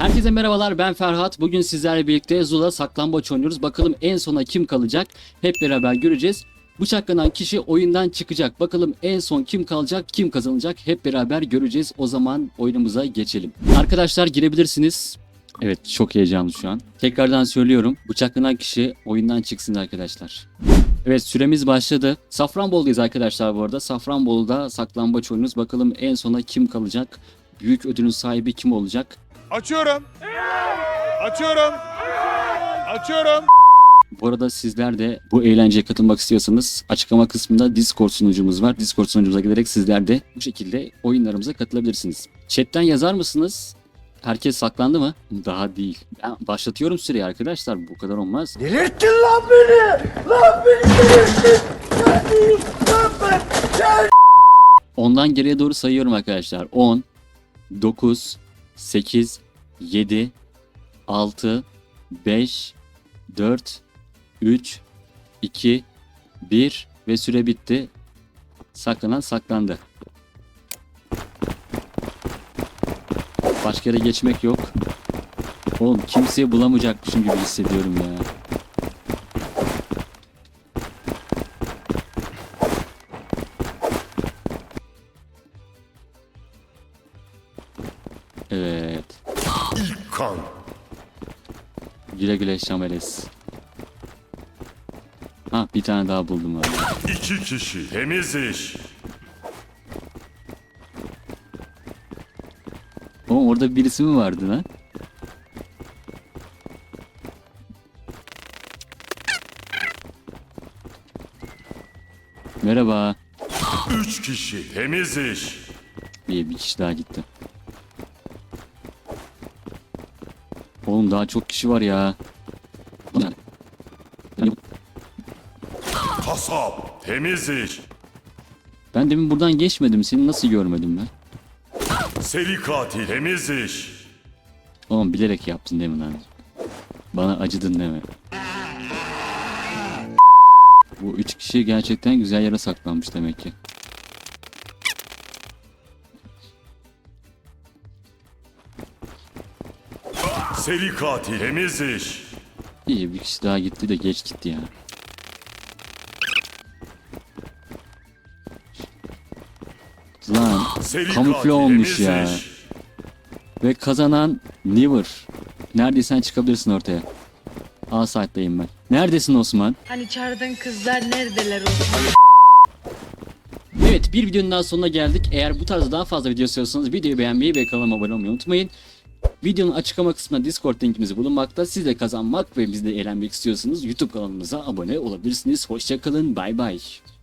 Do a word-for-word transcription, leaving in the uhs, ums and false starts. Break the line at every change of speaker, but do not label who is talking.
Herkese merhabalar, ben Ferhat. Bugün sizlerle birlikte Zula saklambaç oynuyoruz. Bakalım en sona kim kalacak? Hep beraber göreceğiz. Bıçaklanan kişi oyundan çıkacak. Bakalım en son kim kalacak, kim kazanacak? Hep beraber göreceğiz. O zaman oyunumuza geçelim. Arkadaşlar girebilirsiniz. Evet, çok heyecanlı şu an. Tekrardan söylüyorum. Bıçaklanan kişi oyundan çıksın arkadaşlar. Evet, süremiz başladı. Safranbolu'dayız arkadaşlar bu arada. Safranbolu'da saklambaç oynuyoruz. Bakalım en sona kim kalacak? Büyük ödülün sahibi kim olacak?
Açıyorum. Açıyorum. Açıyorum.
Bu arada sizler de bu eğlenceye katılmak istiyorsanız açıklama kısmında Discord sunucumuz var. Discord sunucumuza giderek sizler de bu şekilde oyunlarımıza katılabilirsiniz. Chat'ten yazar mısınız? Herkes saklandı mı? Daha değil. Ben başlatıyorum süreyi arkadaşlar. Bu kadar olmaz.
Delirttin lan beni! Lan beni delirttin! Neredeyim lan ben? Gel!
Ondan geriye doğru sayıyorum arkadaşlar. on, dokuz, sekiz, yedi, altı, beş, dört, üç, iki, bir ve süre bitti. Saklanan saklandı. Başka yere geçmek yok. Oğlum kimseyi bulamayacakmışım gibi hissediyorum ya. Evet.
İlk kan.
Güle güle Şameles. Ha, bir tane daha buldum abi.
İki kişi. Temiz iş.
Oğlum orada birisi mi vardı lan? Merhaba.
Üç kişi. Temiz iş.
Bir, bir kişi daha gitti. Oğlum daha çok kişi var ya.
Kasap. Temiz iş.
Ben demin buradan geçmedim. Seni nasıl görmedim ben?
Seri katil. Temiz iş.
Oğlum bilerek yaptın değil mi lan? Bana acıdın değil mi? Bu üç kişi gerçekten güzel yere saklanmış demek ki.
Seri katil. Temiz iş.
İyi, bir kişi daha gitti de geç gitti ya. Lan
Seri
kamufle
katil.
olmuş
Temiz
ya.
iş.
Ve kazanan Niver. Neredeysen çıkabilirsin ortaya. A site'dayım ben. Neredesin Osman?
Hani çağırdığın kızlar neredeler Osman?
Evet, bir videonun daha sonuna geldik. Eğer bu tarz daha fazla video istiyorsanız videoyu beğenmeyi ve kanalıma abone olmayı unutmayın. Videonun açıklama kısmında Discord linkimiz bulunmakta. Siz de kazanmak ve biz de eğlenmek istiyorsanız YouTube kanalımıza abone olabilirsiniz. Hoşçakalın, bay bay.